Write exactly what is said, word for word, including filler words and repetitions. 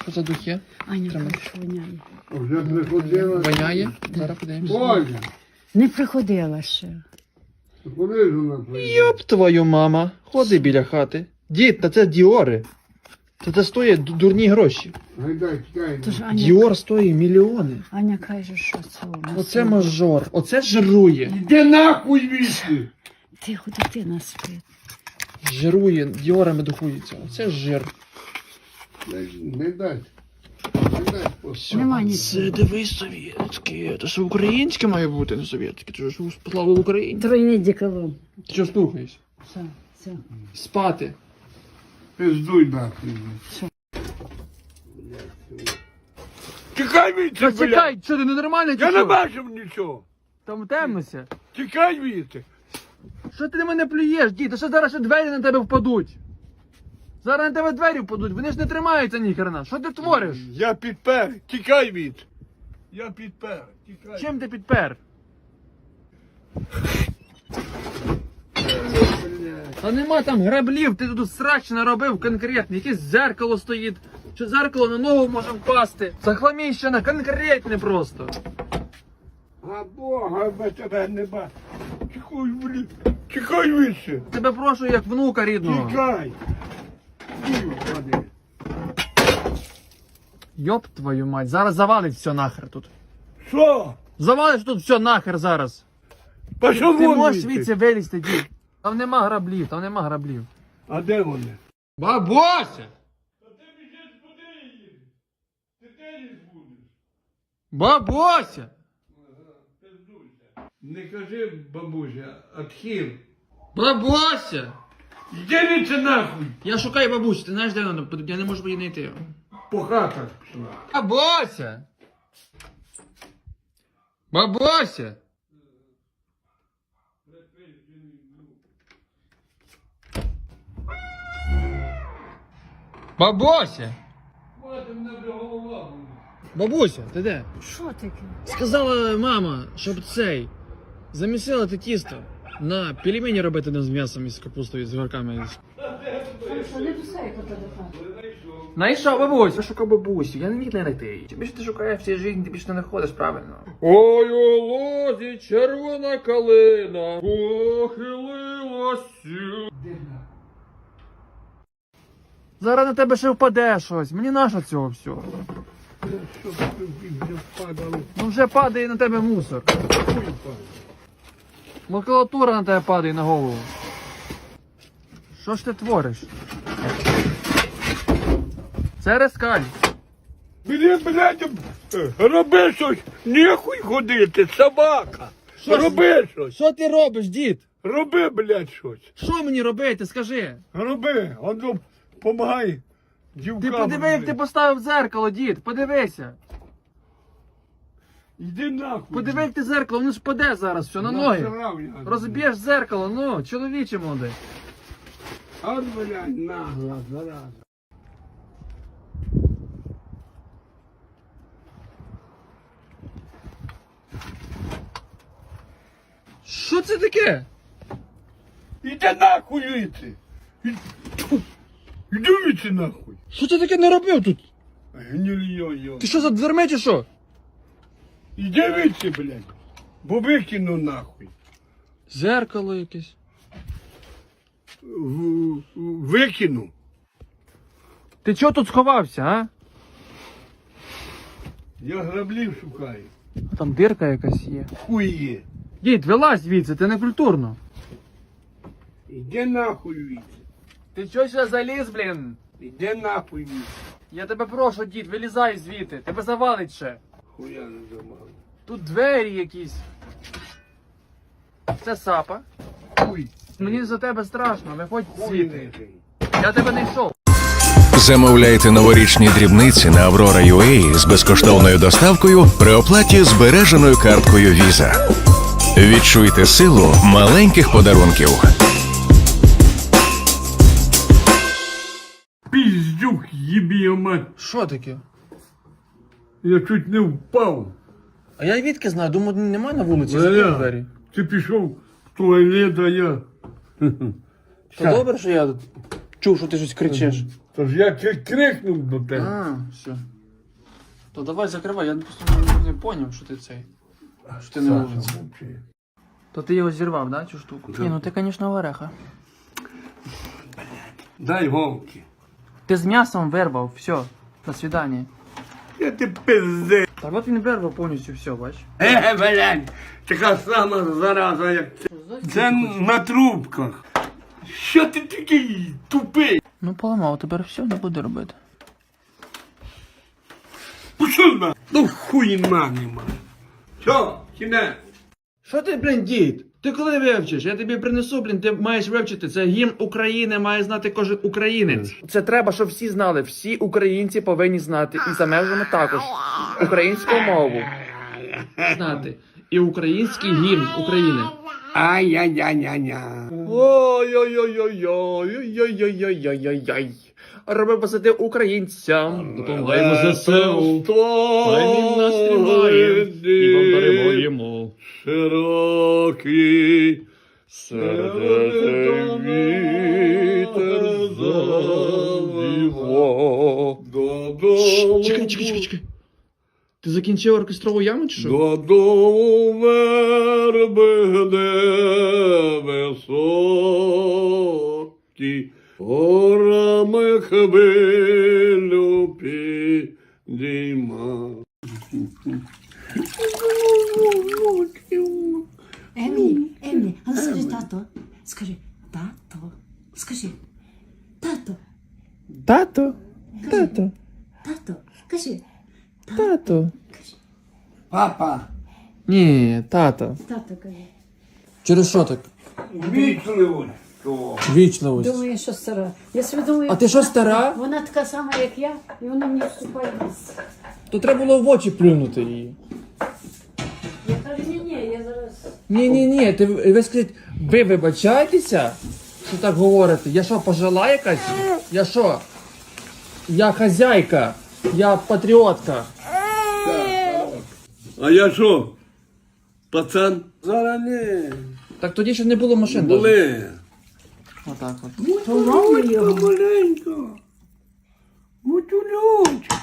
що за духи? Аня, Тримай. каже, воняє. Вже приходила. Воняє? Зараз подивимося. Оля, Не приходила ще. куди ж вона приїхала? Йоп твою мама. Ходи біля хати. Дід, та це Діори. Та це стоїть ду- дурні гроші. Гайдай, чекай. Тож Аня, Діор стоїть мільйони. Аня каже, що це у нас. Оце мажор. Оце жирує. Де нахуй вісти? Тихо, дитина спить. Жирує, діорами духується. Оце жир. Не дай. Не дай. Все. Нема Це нічого. дивись совєтське. Це ж українське має бути, не совєтське. Це ж слава Україні. Тройний деколон. Ти що слухаєш? Все, все. Спати. Пиздуй нахуй. Тікай від Та чекай, що ти ненормальний чи Я не що? бачив нічого. Там темнося. Тікай від. Що ти на мене плюєш, дід? Та що зараз ще двері на тебе впадуть? Зараз на тебе двері впадуть, вони ж не тримаються ніхрена. Що ти твориш? Я підпер. Тікай від. Я підпер. Тікай. Чим ти підпер? Та нема там граблів, ти тут срач наробив конкретно. Якесь зеркало стоїть. Що зеркало на ногу може впасти. Захламіщена, конкретне просто. А Бога без тебе не бачу. Тікай, блін. Тікай від. Тебе прошу як внука рідного. Тікай. Господи. Йоп твою мать, зараз завалить все нахер тут. Що? Завалиш тут все нахер зараз. Пішов Ти вон можеш звідси. звідси вилізти, дід. Там нема граблів, там нема граблів. А де вони? Бабуся! Бабуся! Не кажи, бабуся, отхил. Бабуся! Йди від це нахуй. Я шукаю бабусю, ти знаєш, де вона? Я не можу її знайти. По хатах пішла. Бабуся! Бабуся! Бабуся! Мати, мене вже голова буде. Бабуся, ти де? Що таке? Сказала мама, щоб цей замісила ти тісто на пельмені робити не з м'ясом і з капустою, з горками. Що не писай, коли до хати. Найшов бабусь, я шукав бабусю, я не міг не знайти. Чим більше ти шукаєш в цій житті, ти більше не знаходиш, правильно? Ой, у лозі червона калина похилилася. Зараз на тебе ще впаде щось, мені нащо цього всього? Що тут вже впадало? Ну вже падає на тебе мусор. Макулатура на тебе падає на голову. Що ж ти твориш? Це рескаль. Блін, блядь, роби щось, нехуй ходити, собака. Що ж- Роби щось, Що ти робиш, дід? роби, блядь, щось. Що мені робити, скажи? Роби, воно помагай дівкам. Ти подиви, як ти поставив дзеркало, дід, подивися. Йди нахуй. Подиви, як ти зеркало, воно ж паде зараз все на ноги. Насрав я. Розб'єш зеркало, ну, чоловіче молодий. От, блядь, нагла, зараза. Що це таке? Іди нахуй віці. Іди віці нахуй. Що ти таке наробив тут? Гнильйо-йо. Ти що за дверми чи що? Іди віці, блядь. Бо викину нахуй. Зеркало якесь. В- в- Викину. Ти чого тут сховався, а? Я граблів шукаю. Там дирка якась є. Хуй є. Дід, вилазь звідси, ти не культурно. Іди нахуй віці. Ти чого ще заліз, блін? Іди нахуй віці. Я тебе прошу, дід, вилізай звідти, тебе завалить ще. Хуя не замали. Тут двері якісь. Це сапа. Хуй. Мені за тебе страшно, виходь Хуй звідти. не жий. Я тебе не йшов. Замовляйте новорічні дрібниці на Аврора ю ей з безкоштовною доставкою при оплаті збереженою карткою Visa. Відчуйте силу маленьких подарунків. Піздюк, їбі його мать. Що таке? Я чуть не впав. А я відки знаю, думаю, немає на вулиці, Валя, закрив двері. Ти пішов в туалет, а я... То добре, що я тут чув, що ти щось кричиш. Тож я чуть крикнув до тебе. А, все. То давай закривай, я просто не, не поняв, що ти цей. Що ти не Саша, вулиці. мовчи. То ти його зірвав, да, цю штуку? Ні, ну ти, звісно, вареха. Дай голки. Ти з м'ясом вирвав, все, до свидання. Я ти пизди. Так от він вирвав повністю все, бач. Е, блядь, така сама зараза, як це. Це на трубках. Що ти такий тупий? Ну поламав, тепер все не буде робити. Пішов на. Ну хуйна нема. Що, кінець? Що ти, блін, дід? Ти коли вивчиш? Я тобі принесу, блін, ти маєш вивчити. Це гімн України, має знати кожен українець. Це треба, щоб всі знали. Всі українці повинні знати. І за межами також. Українську мову. Знати. І український гімн України. Ай-яй-яй-яй-яй. Ой-ой-ой-ой-ой-ой-ой-ой-ой-ой-ой. Роби посади українцям. Допомагаємо ЗСУ. Хай він нас тримає. І вам даруємо. Широкий Сердце вітер завіво. додому. Чекай, чекай, чекай, чекай. Ти закінчив оркестрову яму чи що? Додому верби де високі, горами хвилю підійма. Емі, Емі, а ну скажи тато. Скажи, тато. Скажи, тато, Тато, тато, тато. Кажи, тато. Папа, Ні, тато. тато кажи. Через що так? вічливо. Вічливость. Думаю, що стара. Я собі думаю, А ти що, стара? вона така сама, як я, і вона мені вступає в ліс. То треба було в очі плюнути її. Я кажу, ні, ні, я зараз. Ні, ні, ні, ти ви скажіть, ви вибачаєтеся, що так говорите? Я що, пожила якась? Я що? Я хазяйка, я патріотка. А я що? Пацан? Зараз не. Так тоді ще не було машин. даже. Були. Отак от. Маленько, маленько. Бутюльочка.